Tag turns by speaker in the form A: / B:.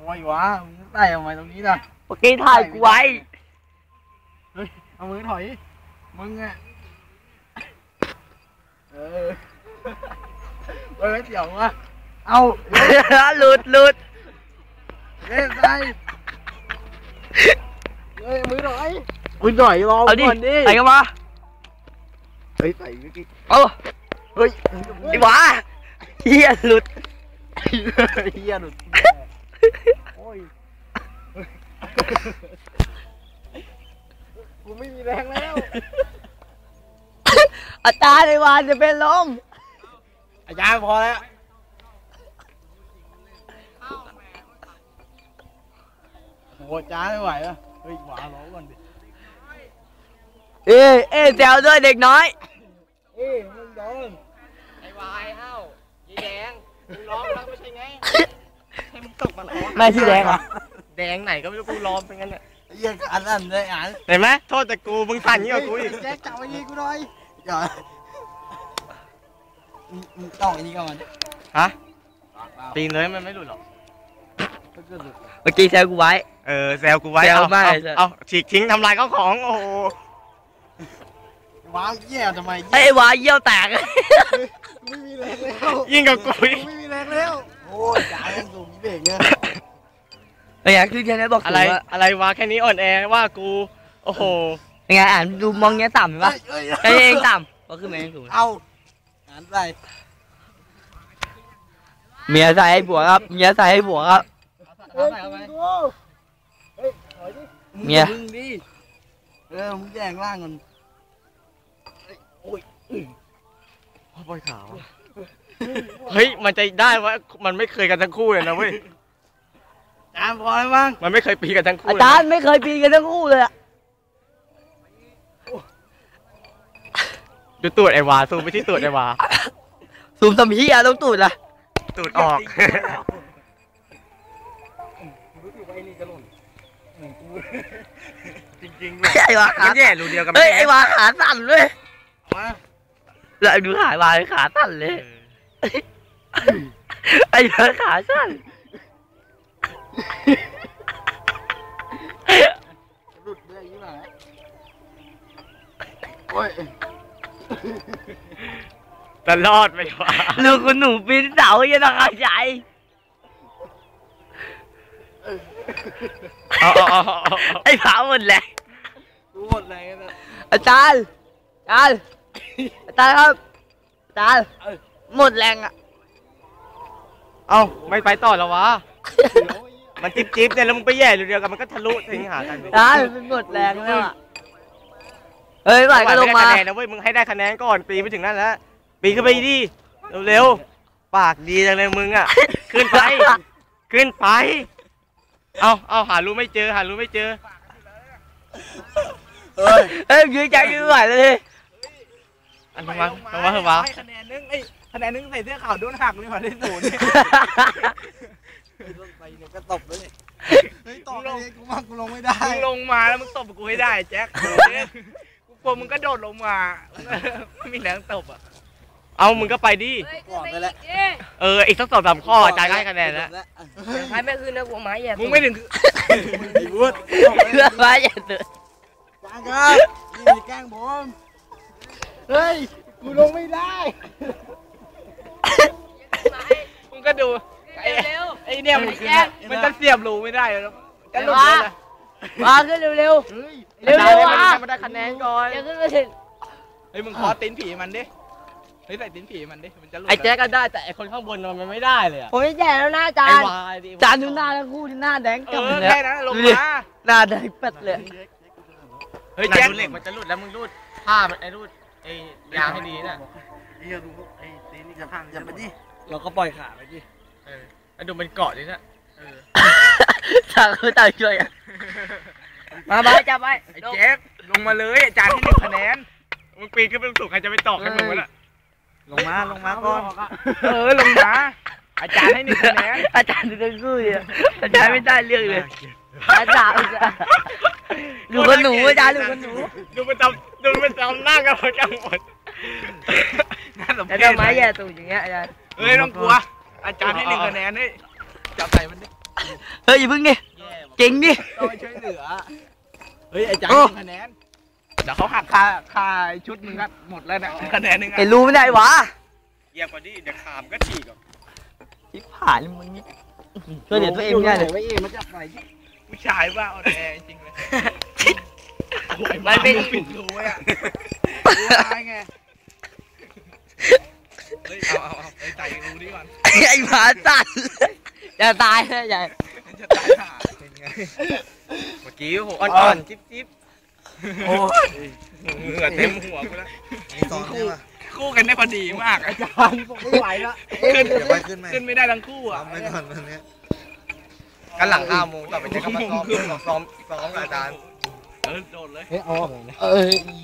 A: ไว้วะมึงใส่ทำไมตรงนี้ล่ะ
B: เมื่อกี้ถ่ายกูไว้
A: เฮ้ยเอามือถอยมึงอะเฮ้ยเดี๋ยววะเอา
B: หลุด
A: เล่นใส่เฮ้ยมือถอยรอก่อนดิ
B: ใส่กันมา
A: เฮ้ยใส่เมื่อกี้
B: เฮ้ยไอ้หวาเฮียหลุด
A: โอ้ยกูไม่มีแรงแล้ว
B: อาจารย์ไอ้หวาจะเป็นลม
A: อาจารย์พอแล้วโอ้จ้าไม่ไหวแล้วเฮ้ยหวาร้องก่อนดิ
B: แซวด้วยเด็กน้อย
A: มึงโดน
C: ไอ้วายเฮ้ายีแดงมึงร้องแล้วไม่ใช่ไงให้มึงตกมาหรอ
B: ไม่ที่แดงเหรอ
C: แดงไหนก็ไม่รู้กูร้องเป็นงั้นแหละ
A: ยังอันนั้นเลยอ่าน
C: เห็นไหมโทษแต่กูมึงสั่นยิ่งกว่ากูอีก
A: แจ็คจับไอ้นี่กูหน่อยอย่ามึงต้องไอ้นี่ก่อน
C: ฮะตีนเลยมันไม่หลุดหรอก
B: เมื่อกี้แซวกูไว้
C: แซวกูไว้เอาฉีกทิ้งทำลายข้าวของโอ้โห
A: ว้าวเยี่ยทำไม
B: ไอ้วาเยี่ยวแตก
A: ไม่มีแรงแล้ว
C: ยิ่งกับกู
A: ไม่มีแรงแล้วโอ้ยจ่ายสูงเบ่งเนี่ย
B: เป็นไงคือแค่นี้บอก
C: อะไรวะแค่นี้อ่อนแอว่ากูโอ้โห
B: เป็นไงอ่านดูมองเงี้ยต่ำเห็นปะแค่นี้เองต่ำก็คือไม่สูง
A: เอาอ่านไป
B: เมียใส่ให้ผัวครับเมียใส่ให้ผัวครับเมีย
A: มึงดิมึงแย่งล่างกันโอ้ย
C: ปล่อยขาวเฮ้ยมันจะได้วะมันไม่เคยกันทั้งคู่เลยนะเว้ย
A: อาจารย์พอแล้วมั้ง
C: มันไม่เคยปีกันทั้งคู่
B: อาจารย์ไม่เคยปีกันทั้งคู่เลยอะ
C: ดูตูดไอ้วาซูมไปที่ตูดไอ้วา
B: ซูมทำเหี้ยต้องตูดอะ
C: ตูดออกจริงๆ
B: ไอ้วาขา
C: แย่รูเดียวกัน
B: เฮ้ยไอ้วาขาสั่นเลยแล้วดูขายวาขาสั่นเลยไอ้วาขาสั่น
A: หลุดเลยยี่ห้อโอ้ย
C: จะรอดไหมวะ
B: ลูกคุณหนูปีนเสายังต้องเอาใจไอ้ผาหมดแรง
A: หมดแรงนะ
B: อาจารย์ครับอาจารย์หมดแรงอ่ะ
C: เอาไม่ไปต่อแล้ววะมันจิ๊บเนี่ยแล้วมึงไปแย่เดียวกันมันก็ทะลุทิ้งหากัน
B: อาจารย์มันหมดแรงแล้วอ่ะเฮ้ยไหวก็ลงมา
C: นะเว้ยมึงให้ได้คะแนนก่อนปีไปถึงนั่นแล้วปีขึ้นไปดิเร็วๆปากดีจังเลยมึงอ่ะขึ้นไปเอาหารู้ไม่เจอ
B: เฮ้ยยืนใจยืนไหวเลย
C: อันนี้มาเหรอวะ
A: คะแนนนึงใส่เสื้อขาวโดนหักเลยมาได้ศูนย์ไปเนี่ยก็ตบเลยเฮ้ยตบเลยกูลงไม่ได้
C: มึงลงมาแล้วมึงตบกูให้ได้แจ็คกูกลัวมึงก็โดดลงมาไม่มีแรงตบอ่ะเอามึงก็ไปดิ
A: ก่อนไปแล้ว
C: อีกสัก2-3 ข้ออาจารย์ให้คะแนนแล้ว
B: ใครไม่คืนนะพวกไม้แย่
C: มึงไม่ถึง
A: พูด
B: ไม้แย่ตื่น
A: จ้างครับนี่แกล้งผมเฮ้ยกูลงไม่ได้
C: มึงก็ดูไอ้เนี่ยมันจะเสียบรูไม่ได้แล้วจะหลุดเลย
B: มาขึ้นเร็ว
C: มาได้คะแนนก่อน
B: ขึ้นมาถึง
C: เฮ้ยมึงขอตีนผีมันดิเฮ้ยใส่ตีนผีมันดิมันจะหลุดไอ้แจ๊กก็ได้แต่ไอ้คนข้างบนมันไม่ได้เลย
B: ผมไม่แย่แล้วนะอาจารย์อาจารย์ดูหน้าทั้งคู่ที่หน้าแดงกำเลย
C: แค่นั้นลงมา
B: หน้าแดงเป็ดเลย
C: เฮ้ยแจ๊กเหล็กมันจะหลุดแล้วมึงรูดผ้ามันไอ้รูดไอ้ยางให้ดีนะ
A: ไอ้ตีนนี่จะพังจะไปดิ
C: เราก็ปล่อยขาไปดิไอ้ดูมันเกาะดินะ
B: ต่างคนต่างช่วยกันมาไปจับไป
C: ไอ้แจ๊กลงมาเลยอาจารย์ให้1 คะแนนมึงปีนขึ้นไปสูงใครจะไปตอกให้มึงวะน่ะ
A: ลงมาก่อน
C: ลงมาอาจารย์ให้1 คะแนน
B: อาจารย์ดูทั้งคู่เลยอาจารย์ไม่ได้เรื่องเลยอาจารย์ดูคนหนูอาจารย์ดูคนหนู
C: ดูมันจำหน้ากันหมด
B: แล้วทำไมแย่ตูดอย่างเงี้ยอาจารย์
C: เฮ้ยต้องกลัวอาจารย์ให้1 คะแนนให้จับใส่มันดิ
B: เฮ้ยอย่าพึ่งดิเก่งดิ
A: ต้องไปช่วยเหลือเฮ้ยไอ้จัง
B: โอ้
A: คะแนนเดี๋ยวเขาหักค่าชุดมึงก็หมดแล้วนะคะแนนนึง
B: ไอ้รู้ไม่ได้วะ
C: เหยียบกว่านี้เดี๋ยวขามก็ฉีกอ่ะ
B: ชิบหายมึงนี่ช่วยเหลือตัวเองไม่ได้เลย
A: ไว้เองมาจับไหน
D: ผู้ชายว่าเอาแดงจริงเลย
B: มันเป็น
A: ปิดรูไว้อะรู้ตายไง
D: เฮ้ยเอาไอ้ใจรู้นี่ก่อน
B: ไอ้หมาสัตว์อย่าตายนะอย่า
D: จะตายห่า
C: เป็นไงเมื่อกี้โหอ่อนๆจิ๊บ
B: โอ้
C: ๆเหงื่อเต็มหัวกูแล้ว
D: คู่กันได้พอดีมากอะ
A: จานผมไม่ไหวละ
D: ขึ้น
E: เดี๋ยวไปขึ้นไหม
D: ขึ้นไม่ได้ทั้งคู่
E: ซ้อ
D: อ่ะ
E: มไว้ก่อนวันนี้
C: กันหลัง5 โมงต่อไปจะก็มาซ้อมกับอาจารย์
D: โดดเลย
A: เฮ้ยเอาออกเลยนะ
B: เอ้ย